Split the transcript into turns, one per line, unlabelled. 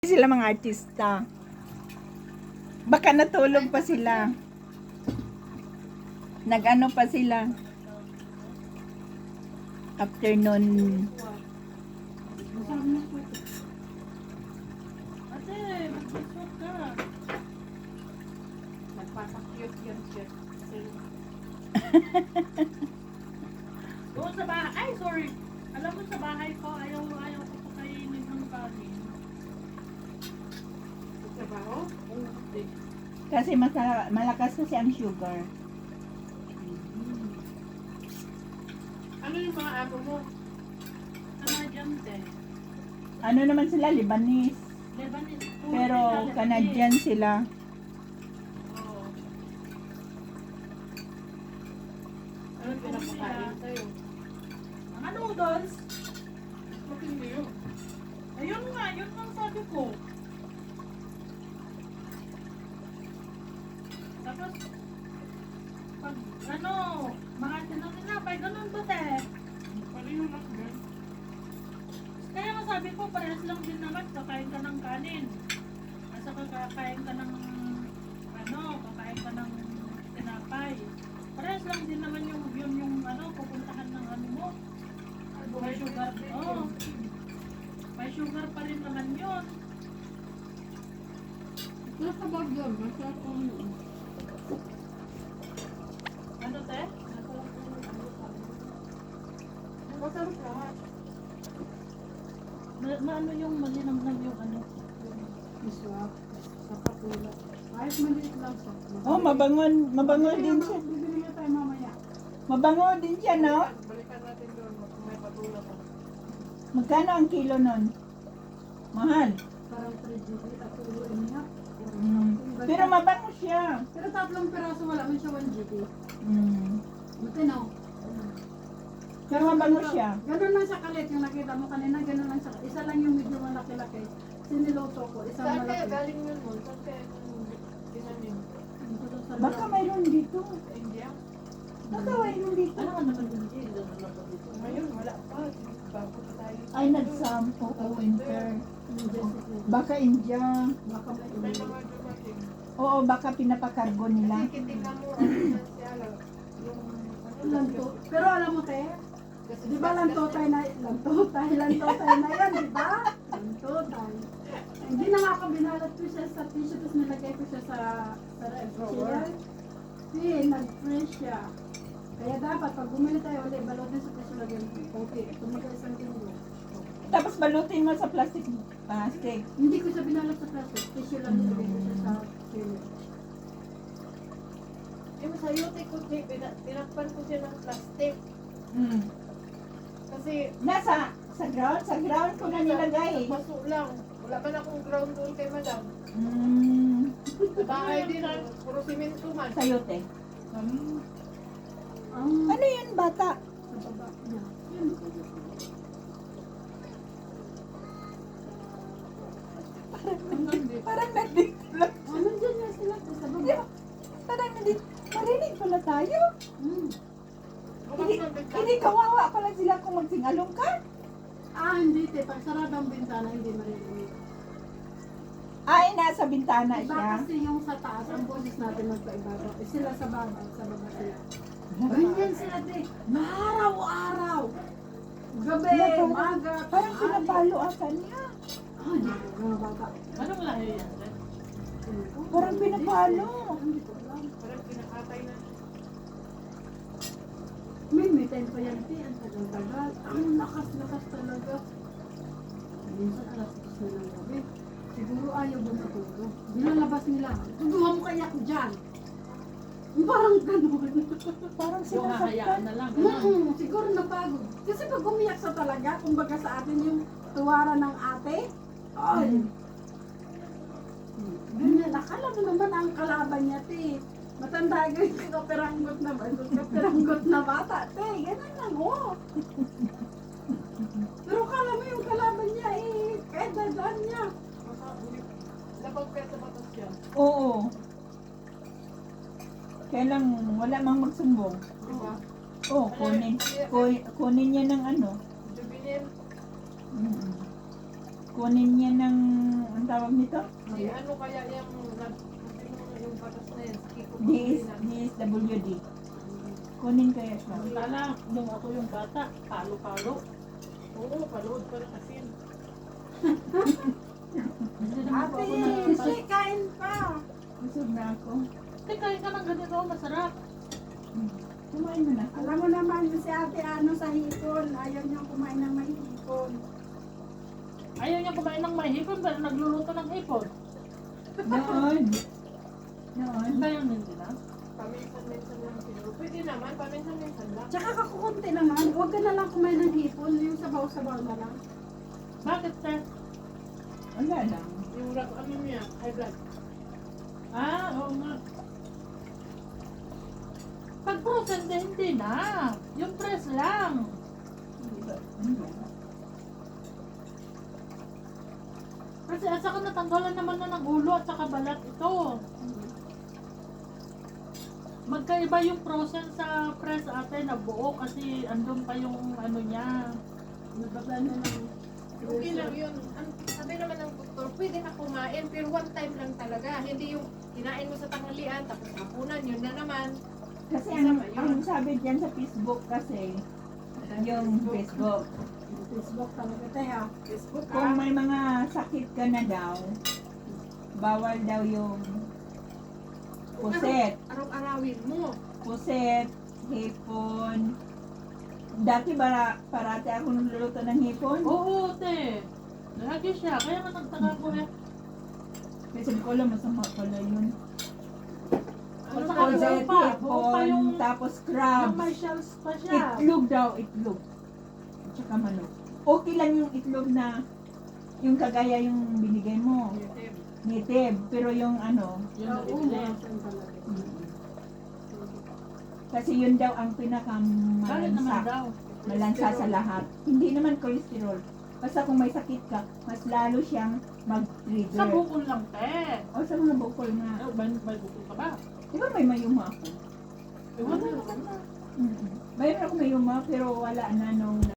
Sila mga artista. Baka natulog pa sila. Nag-ano pa sila. Afternoon.
Ate, mag-Facebook ka. Nagpapakyut yan siya. Doon sa bahay, ay sorry. Alam mo sa bahay ko, ayaw ko pakainin ng kanin. Sa trabaho? Oo.
Kasi malakas kasi ang sugar.
Ano yung mga amo mo? Canadian te.
Ano naman sila, Lebanese.
Lebanese.
Pero Canadian sila.
Oo. Ano pinapakain sa'yo? Mga noodles. Bakit hindi yun? Ayun nga, yun ang sabi ko. Tapos, pag ano, mga tinapay, ganun ba te? Pareho lang din. Kaya nga sabi ko, parehas lang din naman, kakain ka ng kanin. Asa kakain ka ng, kakain ka ng tinapay. Parehas lang din naman yung pupuntahan ng ano mo. May sugar, may sugar pa rin naman yun.
Nasa bag yun, masarap ko yun.
Ano te?
Masarap lahat.
Maano yung malinamnam yung ano?
Masarap. Saka pula. Kahit maliit lang sa.
Oh, mabango din siya.
Bibili niya tayo mamaya.
Mabango din siya, no?
Balikan natin doon kung may patula pa.
Magkano ang kilo nun? Mahal.
Parang 3 GB at tuloy niya.
Pero mabango siya.
Pero 3 peraso wala man siya 1 GB. Buti no.
Pero mabango siya.
Ganun lang siya kalit yung nakita mo kanina, ganun lang siya. Isa lang yung medyo malaki-laki. Siniloto ko, isang
Saan kaya
malaki.
galing yun mo? Saan kaya ginanin?
Baka mayroon dito.
Sa India?
Baka mayroon dito.
Ano ka naman yung India? Ngayon wala pa. Bago pa tayo.
Ay, nagsampo o winter. Baka India.
Baka
May
may
mga dumating.
Oo, baka pinapakargo nila.
Kasi kitignan mo ang financial. Yung
lanto. Pero alam mo te, di ba lantotay na yan, di ba? Lantotay. Hindi na nga ako binalat ko siya sa tissue, tapos nilagay ko siya sa chair. Nag-fresh siya. Kaya dapat, pag bumili tayo ulit, balutin sa tissue lagyan. Okay, tumaga isang linggo.
Tapos balutin mo sa plastic.
Hindi ko siya binalat sa plastic, tissue lang nilagay ko siya sa chair.
yung sa yote ko, tinakpan ko siya ng plastic. Kasi
Sa ground ko na nilagay.
Paso lang. Wala man akong ground doon kay madam. Sa bahay din, puro simento man.
Sayote. Ano yan, bata?
Sa baba niya. Yun.
Parang nandito lang.
Nandiyan nga sila sa baba.
Parang nandito. Marinig pala tayo.
Bukas ng
Hindi kawawa pala sila kung magsingalong ka.
Hindi te. Pag sarado ang bintana, hindi maririnig.
Ay, nasa bintana
Iba
siya.
kasi yung sa taas, ang boses natin magpaibabaw. Sila sa baba sila. Ganyan sila te. Araw-araw. Gabi, umaga,
Parang
tanghali.
pinapalo ata niya.
Hindi ko mga bata.
Ano wala yan?
Parang pinapalo.
Hindi ko alam.
Parang pinakatay na.
May time pa yan te. Ang tagal-tagal. Ang lakas-lakas talaga. Minsan alas 10 na ng gabi. Siguro ayaw ba matulog. Binalabas nila. Tuduha mo kaya ko dyan. Parang ganun.
Parang
Yung hahayaan
sinasaktan.
na lang.
Siguro napagod. Kasi pag umiyak sa talaga, kumbaga sa atin yung tuwara ng ate, ay. Ganyan, akala mo naman ang kalaban niya, te. Matanda ganyan, kaperanggot na ba? Kaperanggot na bata, te. Ganun lang, oh. Pero akala mo yung kalaban niya, kahit dadaan niya.
Napagpet sa batas yan.
Oo. Kaya lang, wala mang magsumbong.
Diba?
Oo, kunin niya ng ano.
Jubilin.
Kunin niya ng, ano tawag nito?
Si ano kaya yung patas na yan? Kiko
DSWD. Kunin kaya siya.
Kala, nung ako yung bata, palo-palo.
Oo, palood pa ng asin.
Hindi naman po
Ate,
ako nagpapal.
si kain pa.
Busog na ako.
Kasi kain ka ng ganito, masarap.
Kumain mo na.
Alam mo naman si ate ano sa hipon. Ayaw niyang kumain ng may hipon.
Ayaw niya kumain ng may hipon, pero nagluluto ng hipon.
Noon.
Kaya hindi na.
Paminsan-minsan lang siguro. Pwede naman, paminsan-minsan lang.
Tsaka kakukunti naman. Huwag ka na lang kumain ng hipon. Yung sabaw-sabaw na lang.
Bakit, te?
Wala lang.
Yung ano niya, high blood.
Ah, oo nga. Pag frozen, hindi na. Yung press lang. Kasi at saka natanggalan naman na ng ulo at saka balat ito. Magkaiba yung frozen sa press ate na buo kasi andun pa yung ano niya.
Nababa na lang.
Okay lang yun. Sabi naman ng doktor, pwede na kumain, pero one time lang talaga. Hindi yung kinain mo sa tanghalian, tapos hapunan, yun na naman.
Kasi
Isa pa
ang
yun.
sabi dyan sa Facebook kasi, yung Facebook,
Facebook talaga tayo.
Facebook
kung may mga sakit ka na daw, bawal daw yung puset.
Araw-arawin mo.
Puset, hipon. Dati parati ako nagluluto ng hipon.
Oo, te. Lagi siya. Kaya nga nagtaka ko eh.
Kasi sabi ko alam, masama pala yun.
At saka
Puset,
buo pa yung
hipon, tapos
yung
crabs.
may shells pa siya.
Itlog daw, itlog. At saka manok. Okay lang yung itlog na yung kagaya yung binigay mo,
YouTube.
native. Pero yung ano,
Yun na
Oo,
bibili.
umasan talaga.
kasi yun daw ang
Bakit naman
pinakamalansa.
daw?
Malansa sa lahat. Hindi naman cholesterol. Basta kung may sakit ka, mas lalo siyang
Sa
mag-trigger.
bukol lang, te.
O sa mga bukol nga.
May bukol ka ba?
Di ba may mayuma ako?
Ewan na naman na.
Mayroon ako mayuma pero wala na nung